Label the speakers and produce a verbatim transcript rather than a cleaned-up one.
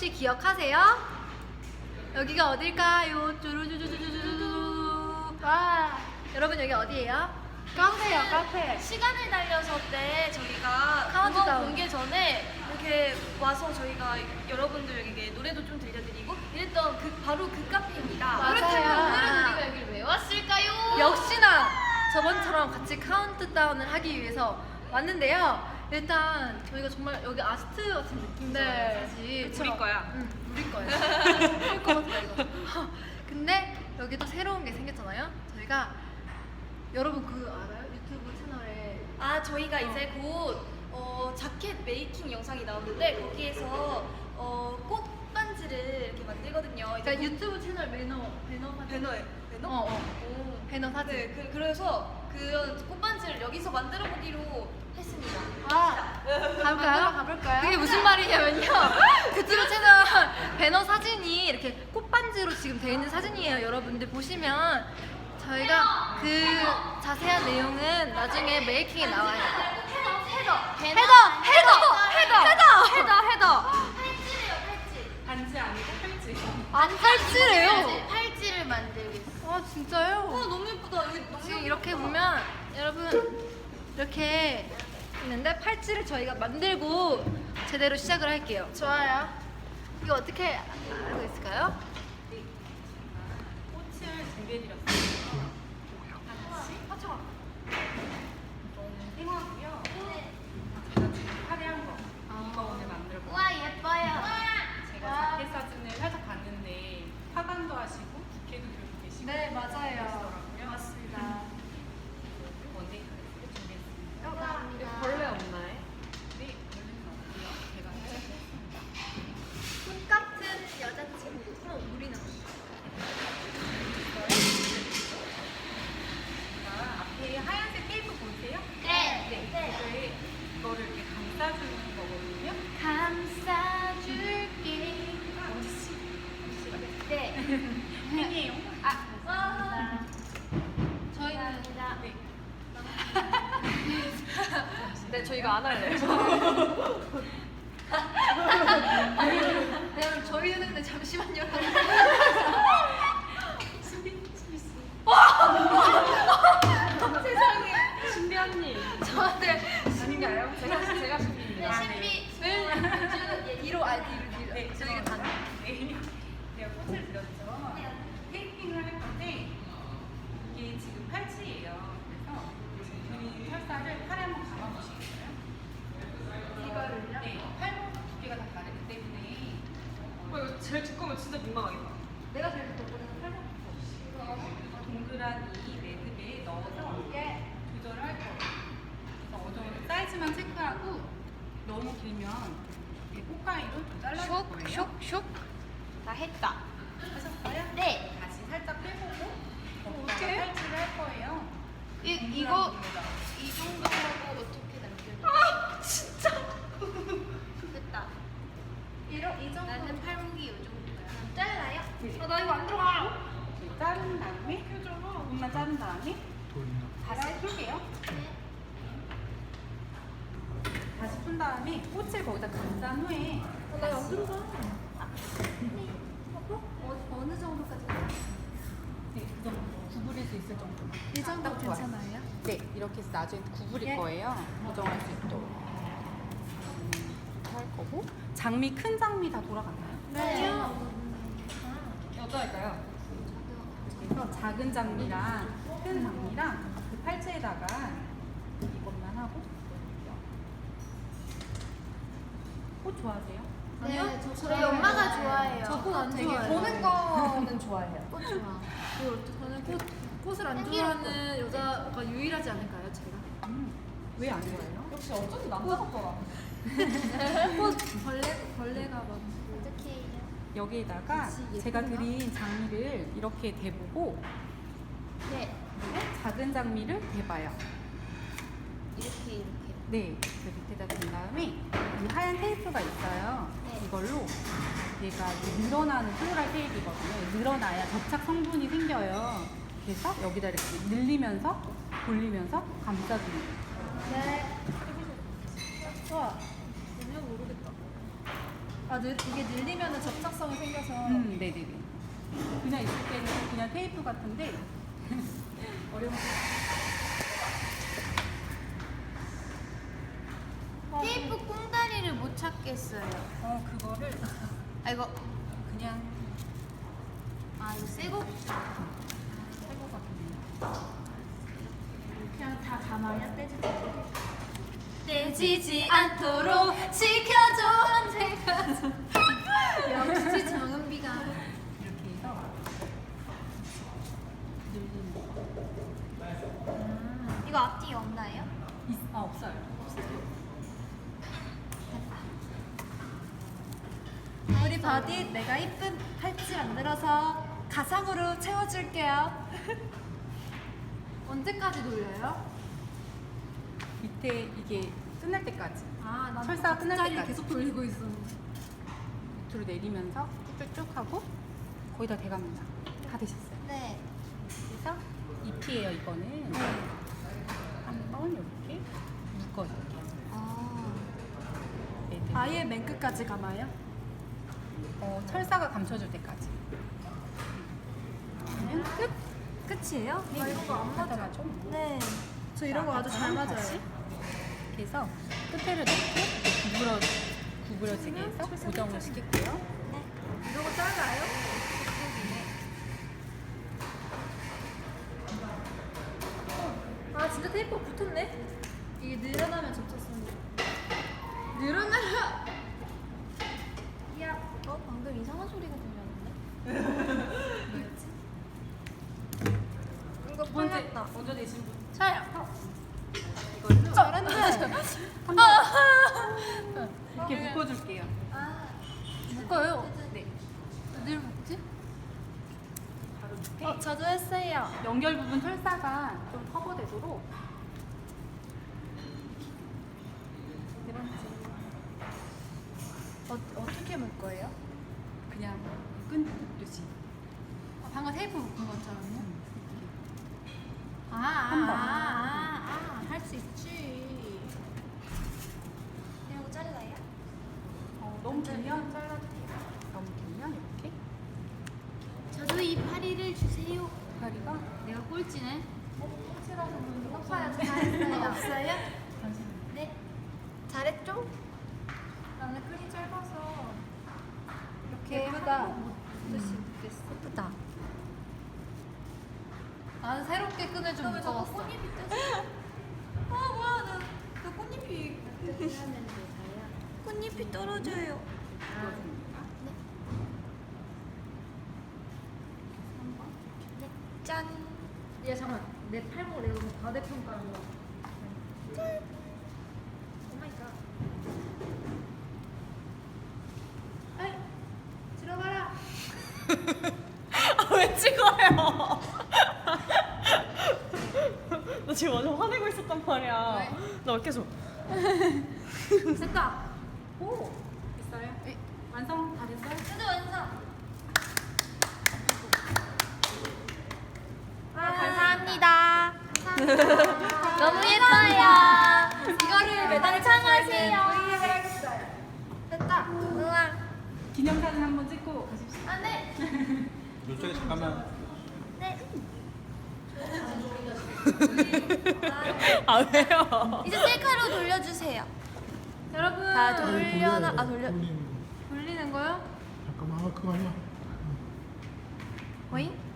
Speaker 1: 혹시 기억하세요? 여기가 어딜까요? 쭈루쭈루쭈루쭈루. 와, 여러분 여기 어디예요?
Speaker 2: 카페요, 카페.
Speaker 3: 시간을 달려서 때 저희가
Speaker 1: 카운트다운.
Speaker 3: 음원 공개 전에 이렇게 와서 저희가 여러분들에게 노래도 좀 들려드리고 이랬던 그 바로 그 카페입니다.
Speaker 1: 맞아요.
Speaker 3: 그렇다면 오늘은 우리가 여기를 왜 왔을까요?
Speaker 1: 역시나 저번처럼 같이 카운트다운을 하기 위해서 왔는데요. 일단 저희가 정말 여기 아스트 같은 느낌이잖아요.
Speaker 3: 네.
Speaker 1: 사실
Speaker 3: 우리 거야.
Speaker 1: 응, 우리 거야. 우리 거 같아 이거. 근데 여기도 새로운 게 생겼잖아요. 저희가 여러분 그 알아요? 유튜브 채널에
Speaker 3: 아 저희가 이제 곧 어, 자켓 메이킹 영상이 나오는데 거기에서 어, 꽃반지를 이렇게 만들거든요. 이제
Speaker 1: 그러니까 유튜브 채널 매너 배너 사진.
Speaker 3: 배너에 배너?
Speaker 1: 어, 어.
Speaker 3: 오.
Speaker 1: 배너 사진.
Speaker 3: 네, 그, 그래서 그 꽃반지를 여기서 만들어 보기로 했습니다.
Speaker 1: 아, 가볼까요?
Speaker 2: 가볼까요?
Speaker 1: 그게 무슨 말이냐면요. 유튜브 채널 배너 사진이 이렇게 꽃반지로 지금 되어 있는 사진이에요. 여러분들 보시면 저희가 그 자세한 내용은 나중에 메이킹에 나와요.
Speaker 3: 헤더
Speaker 1: 헤더! 헤더! 헤더! 헤더! 헤더! 헤더!
Speaker 3: 팔찌래요 팔찌.
Speaker 2: 반지 아니고 팔찌.
Speaker 1: 아, 팔찌래요?
Speaker 3: 팔찌를 만들겠어.
Speaker 1: 아, 진짜요?
Speaker 3: 와 너무 예쁘다. 여기 너무
Speaker 1: 지금
Speaker 3: 예쁘다.
Speaker 1: 이렇게 보면 여러분 이렇게 있는데 팔찌를 저희가 만들고 제대로 시작을 할게요.
Speaker 3: 좋아요.
Speaker 1: 이거 어떻게 알고 있을까요?
Speaker 2: 꽃을 준비해드렸어요. 하나씩. 생화고요. 제가 지금 화려한 거. 이거 오늘 만들고.
Speaker 3: 와 예뻐요.
Speaker 2: 제가 자켓 사진을 살짝 봤는데 화관도 하시고 부케도 들고 계시고.
Speaker 1: 네, 맞아요.
Speaker 2: 그러시더라고요.
Speaker 1: 맞습니다.
Speaker 2: 원데이 카레를 준비했습니다.
Speaker 3: 감사합니다.
Speaker 1: 벌레 없나요?
Speaker 2: 네, 벌레는 없고요. 제가 해드렸습니다.
Speaker 1: 꽃 같은 여자친구. 어, 우리는.
Speaker 2: 자, 앞에 하얀색 테이프 보이세요?
Speaker 3: 네.
Speaker 2: 네. 이거를 이거를 이렇게 감싸주는 거거든요.
Speaker 3: 감싸줄게.
Speaker 2: 엄지씨. 엄지씨가
Speaker 3: 네.
Speaker 2: 팬이에요.
Speaker 3: 아. 와.
Speaker 1: 저희는
Speaker 2: 네.
Speaker 1: 네, 저희가 안 할래요. 네, 저희는 근데 잠시만요.
Speaker 2: 신비, 신비씨.
Speaker 1: 세상에.
Speaker 2: 신비 언니.
Speaker 1: 저한테
Speaker 2: 아닌가요? 제가, 제가
Speaker 3: 네,
Speaker 2: 신비입니다.
Speaker 3: 신비.
Speaker 1: 네. 뒤로 아니 뒤로 뒤로.
Speaker 2: 네,
Speaker 1: 저희가 다.
Speaker 2: 네. 제가 꽃을 드렸죠. 테이핑을 할 건데 이게 지금 팔찌예요. 그래서 지금 드린 철사를 팔에 한번 감아보시겠어요?
Speaker 1: 이거를요?
Speaker 2: 네, 팔목 두께가 다 다르기 때문에
Speaker 4: 어, 이거 제일 두꺼우면 진짜 민망하겠다.
Speaker 1: 내가 제일 좋거든요. 팔목.
Speaker 2: 동그란 이 매듭에 넣어서
Speaker 1: 예.
Speaker 2: 조절을 할 거예요. 그래서 어느 정도 사이즈만 체크하고 너무 길면 이 꽃가위로 좀 잘라줄 거예요.
Speaker 1: 슉.
Speaker 3: 다 했다.
Speaker 2: 하셨어요?
Speaker 3: 네.
Speaker 2: 다시 살짝 빼보고
Speaker 1: 어떡해?
Speaker 2: 거기다가 팔찌를 할 거예요.
Speaker 3: 이
Speaker 2: 동그란
Speaker 3: 이거
Speaker 2: 부분에다가.
Speaker 3: 이 정도 하고 어떻게 남겨?
Speaker 1: 아, 진짜.
Speaker 3: 됐다.
Speaker 1: 이런 이 정도.
Speaker 3: 나는 팔목이 이 정도야. 잘라요?
Speaker 1: 아, 나 이거 안 들어가.
Speaker 2: 이렇게 자른 다음에 부분만 자른 다음에 다시 풀게요. 다시 푼 다음에 꽃을 거기다 감싼 후에
Speaker 1: 아, 나안 들어가. 어, 어느 정도까지?
Speaker 2: 네, 그 정도 구부릴 수 있을 정도.
Speaker 1: 이 정도
Speaker 2: 딱 좋아요.
Speaker 1: 괜찮아요?
Speaker 2: 네, 이렇게 해서 나중에 구부릴
Speaker 1: 예.
Speaker 2: 거예요. 고정할 수 있도록. 음, 이렇게 할 거고. 장미, 큰 장미 다 돌아갔나요?
Speaker 1: 네.
Speaker 2: 어떨까요? 그래서 작은 장미랑 큰 장미랑 그 팔찌에다가 이것만 하고 꽃 좋아하세요?
Speaker 3: 네, 저, 저희 엄마가 좋아해요.
Speaker 1: 저꽃안
Speaker 3: 되게
Speaker 1: 좋아해요.
Speaker 3: 보는
Speaker 1: 거는 좋아해요.
Speaker 3: 꽃 좋아.
Speaker 1: 저는 꽃, 꽃을 안
Speaker 3: 향기롭고.
Speaker 1: 좋아하는 여자가 유일하지 않을까요, 제가?
Speaker 2: 음, 왜 안 좋아해요?
Speaker 4: 역시 어쩐지 남자 같더라.
Speaker 1: 꽃 벌레 벌레가 막.
Speaker 3: 어떻게 해요?
Speaker 2: 여기에다가
Speaker 1: 그치,
Speaker 2: 제가
Speaker 1: 예쁜가?
Speaker 2: 드린 장미를 이렇게 대보고
Speaker 3: 네.
Speaker 2: 그리고 작은 장미를 대봐요.
Speaker 3: 이렇게 이렇게.
Speaker 2: 네, 그 밑에다 댄 다음에 이 하얀 테이프가 있어요.
Speaker 3: 네.
Speaker 2: 이걸로 얘가 이제 늘어나는 플로랄 테이프거든요. 늘어나야 접착 성분이 생겨요. 그래서 여기다 이렇게 늘리면서 돌리면서 감싸주는 거예요.
Speaker 1: 네. 좋아. 전혀 모르겠다. 아, 늘, 이게 늘리면 접착성이 생겨서.
Speaker 2: 음, 네네네. 그냥 있을 때는 그냥 테이프 같은데 어려운
Speaker 3: 테이프 꽁다리를 못 찾겠어요.
Speaker 2: 어 그거를
Speaker 3: 아 이거
Speaker 2: 그냥
Speaker 3: 아 이거 새거
Speaker 2: 할것 같은데.
Speaker 3: 그냥 다 감아야 떼지 떼지지 않도록 지켜줘 언제까지. 역시 정은비가.
Speaker 2: 이렇게 해서 늘리는 거.
Speaker 3: 이거 앞뒤 없나요?
Speaker 2: 있, 아 없어요.
Speaker 1: 우리 바디 내가 이쁜 팔찌 만들어서 가상으로 채워줄게요. 언제까지 돌려요?
Speaker 2: 밑에 이게 끝날 때까지
Speaker 1: 아, 난
Speaker 2: 철사가 끝날
Speaker 1: 자리를
Speaker 2: 때까지.
Speaker 1: 계속 돌리고 있었는데.
Speaker 2: 밑으로 내리면서 쭉쭉쭉 하고 거의 다 돼갑니다. 다 되셨어요.
Speaker 3: 네.
Speaker 2: 그래서 잎이에요 이거는. 한번 이렇게 묶어줄게요.
Speaker 3: 아.
Speaker 2: 애들.
Speaker 1: 아예 맨 끝까지 감아요?
Speaker 2: 어, 철사가 감춰줄 때까지. 그러면 끝.
Speaker 1: 끝이에요? 나 이런 거 안 맞아.
Speaker 2: 맞아.
Speaker 1: 네. 저 이런 거 아주 잘 맞아요.
Speaker 2: 다시. 그래서 끝에를 넣고 구부러 구부러지게 해서 고정을 시킬게요.
Speaker 1: 이런 거 작아요? 아 진짜 테이프 붙었네? 이게 늘어나면 접착성이 늘어나면
Speaker 3: 야, 어 방금 이상한 소리가 들렸는데? 뭐였지? 이거
Speaker 2: 두 번째
Speaker 3: 풀렸다.
Speaker 2: 먼저 내신 분.
Speaker 3: 저요.
Speaker 2: 이거를
Speaker 1: 잘했네.
Speaker 2: 한번 이렇게 묶어줄게요.
Speaker 3: 아,
Speaker 1: 묶어요.
Speaker 2: 네.
Speaker 1: 늘 묶지?
Speaker 2: 바로 밑에
Speaker 3: 어 저도 했어요.
Speaker 2: 연결 부분 철사가 좀 커버되도록. 네 번째.
Speaker 3: 어 어떻게 묶어요?
Speaker 2: 그냥 끈듯이.
Speaker 1: 아, 방금 테이프 묶은 것처럼요? 아,
Speaker 2: 한 번.
Speaker 1: 아아아할 수 있지.
Speaker 3: 이러고 잘라요?
Speaker 2: 어, 너무 길면 잘라주세요. 너무 길면 이렇게
Speaker 3: 저도 이 파리를 주세요.
Speaker 2: 다리가
Speaker 1: 내가 꼴찌네.
Speaker 3: 높아요. 잘했어요. 없어요?
Speaker 2: 잠시만요.
Speaker 3: 네. 잘했죠?
Speaker 1: 나는 끈이 짧아서
Speaker 3: 이렇게
Speaker 1: 예쁘다.
Speaker 3: 못 쓰겠어. 예쁘다.
Speaker 1: 나는 새롭게 끈을 좀 묶어봤어.
Speaker 3: 꽃잎이 뜯어? 아 뭐야 나, 나 꽃잎이 꽃잎이 떨어져요.
Speaker 2: 이거줍니다.
Speaker 3: 네. 짠.
Speaker 1: 야 잠깐 내 팔목 내가 너무 과대평가한 거.
Speaker 3: 오 마이 갓.
Speaker 1: 아이 들어가라.
Speaker 4: 아, 왜 찍어요? 나 지금 완전 화내고 있었단 말이야.
Speaker 1: 왜?
Speaker 4: 나 왜 계속.
Speaker 1: 됐다.
Speaker 2: 오! 됐어요? 네. 완성 다 됐어요?
Speaker 3: 저도 완성.
Speaker 1: 아,
Speaker 3: 감사합니다. 너무 예뻐요.
Speaker 1: 이거를 매달
Speaker 3: 창하세요. 됐다. 우와.
Speaker 2: 기념사진 한번 찍고 가십시오.
Speaker 3: 아 네.
Speaker 5: 이쪽에 잠깐만.
Speaker 3: 네.
Speaker 4: 아, 왜요?
Speaker 3: 이제 셀카로 돌려주세요.
Speaker 1: 여러분
Speaker 3: 다 돌려나 아 돌려.
Speaker 5: 돌리는 거.
Speaker 1: 돌리는 거요?
Speaker 5: 잠깐만, 아, 그거 아니야.
Speaker 3: 뭐잉?